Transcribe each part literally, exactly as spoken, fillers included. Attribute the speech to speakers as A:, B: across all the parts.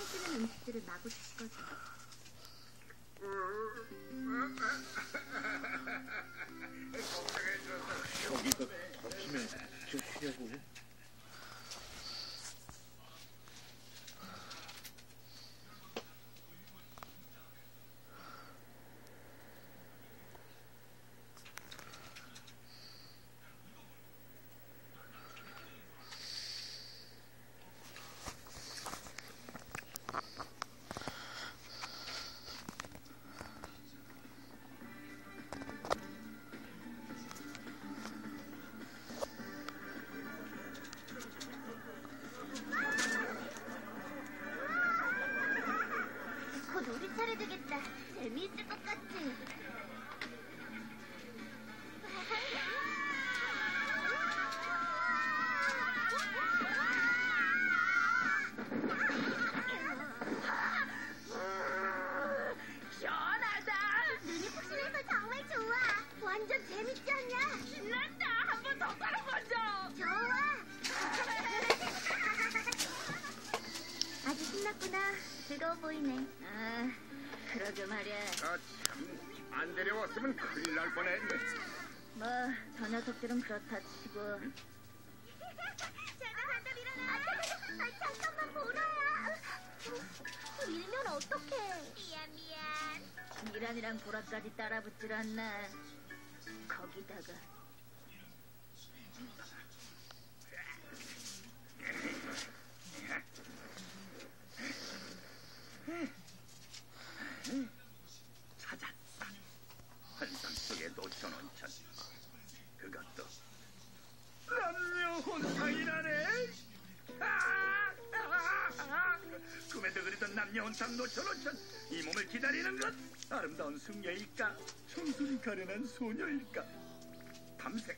A: 해주는 음식들을 마구 드시거든.
B: 여기가 덮치면 저 쉬려고.
A: 곧 우리 차례 되겠다. 재미있을 것 같지?
C: 시원하다.
A: 눈이 푹신해서 정말 좋아. 완전 재밌지 않냐?
C: 신난다. 한 번 더 깔아보자.
A: 좋아. 아주 신났구나. 즐거워 보이네.
C: 아, 그러게 말이야.
D: 아, 참, 안 데려왔으면 큰일 날 뻔했네.
C: 뭐, 저 녀석들은 그렇다 치고.
A: 제가 간다 일어나. 아, 잠깐만 보라야. 밀면 어떡해. 미안 미안.
C: 미란이랑 보라까지 따라붙질 않나. 거기다가.
D: 찾았다. 환상 속의 노천 온천. 그것도 남녀 혼탕이라네. 아! 아! 아! 꿈에도 그리던 남녀 혼탕 노천 온천. 이 몸을 기다리는 것. 아름다운 숙녀일까? 청순이 가련한 소녀일까? 밤색.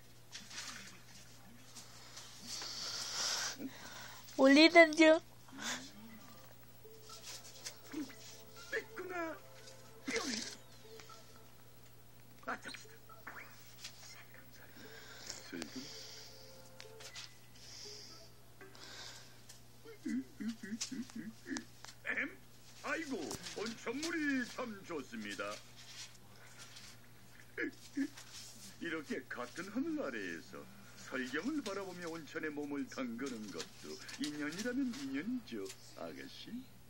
E: 올리는 중.
D: 뺐구나. 뿅. 아, 잡시다. 슬금. 엠? 아이고, 온천물이 참 좋습니다. 이렇게 같은 하늘 아래에서 설경을 바라보며 온천에 몸을 담그는 것도 인연이라면 인연이죠, 아가씨.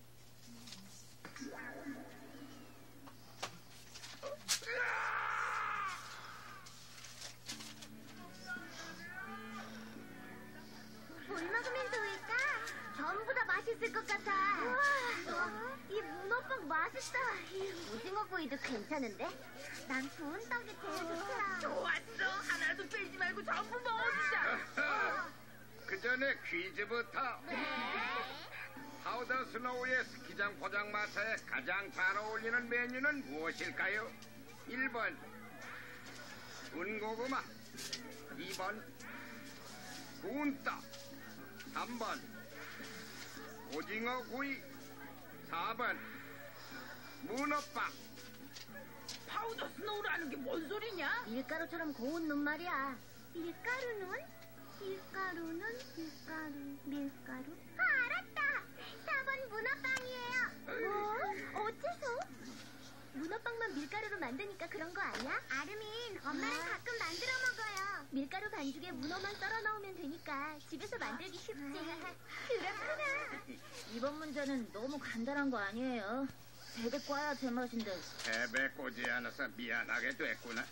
A: 뭘 먹으면 좋을까? 전부 다 맛있을 것 같아. 우와, 이 문어빵 맛있다. 이 오징어 구이도 괜찮은데? 난 구운 떡이 제일 좋더라.
C: 좋았어. 하나도 빼지 말고 전부 먹어주자.
D: 그 전에 퀴즈부터.
A: 네.
D: 파우더 스노우의 스키장 포장마차에 가장 잘 어울리는 메뉴는 무엇일까요? 일 번 군고구마, 이 번 구운 떡, 삼 번 오징어 구이, 사 번 문어빵.
C: 파우더 스노우라는 게 뭔 소리냐?
A: 밀가루처럼 고운 눈 말이야. 밀가루는? 밀가루는 밀가루, 밀가루. 아, 알았다. 사 번 문어빵이에요. 뭐? 어째서? 문어빵만 밀가루로 만드니까 그런 거 아니야? 아르민, 엄마랑 아. 가끔 만들어 먹어요. 밀가루 반죽에 문어만 썰어 넣으면 되니까 집에서 만들기 쉽지. 그렇구나.
C: 이번 문제는 너무 간단한 거 아니에요? 되게 꽈야 제맛인데.
D: 배배 꼬지 않아서 미안하게 됐구나.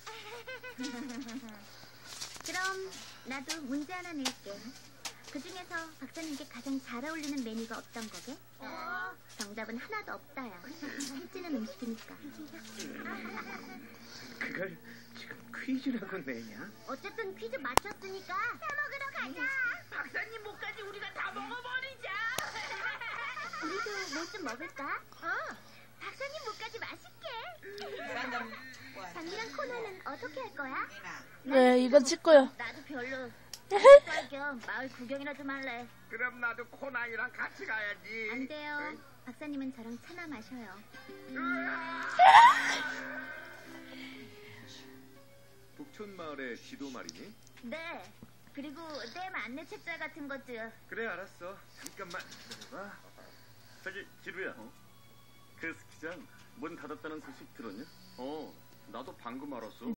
A: 그럼 나도 문제 하나 낼게. 그 중에서 박사님께 가장 잘 어울리는 메뉴가 어떤 거게? 어? 정답은 하나도 없다야. 살찌는 음식이니까.
B: 그걸 지금 퀴즈라고 내냐?
A: 어쨌든 퀴즈 맞췄으니까 사 먹으러 가자.
C: 박사님 목까지 우리가 다 먹어버리자.
A: 우리도 뭐 좀 먹을까? 어. 박사님 목까지 맛있게. 장미랑 코너는 어떻게 할 거야?
E: 네, 이건 찍고요.
C: 나도 별로. 겸 마을 구경이나 좀 할래.
D: 그럼 나도 코나이랑 같이 가야지.
A: 안 돼요. 박사님은 저랑 차나 마셔요.
F: 북촌 마을의 지도 말이니?
C: 네. 그리고 댐 안내 책자 같은 것도요.
F: 그래 알았어. 잠깐만 기다려봐.
G: 저기 지루야. 그 스키장 문 닫았다는 소식 들었냐?
F: 어, 나도 방금 알았어.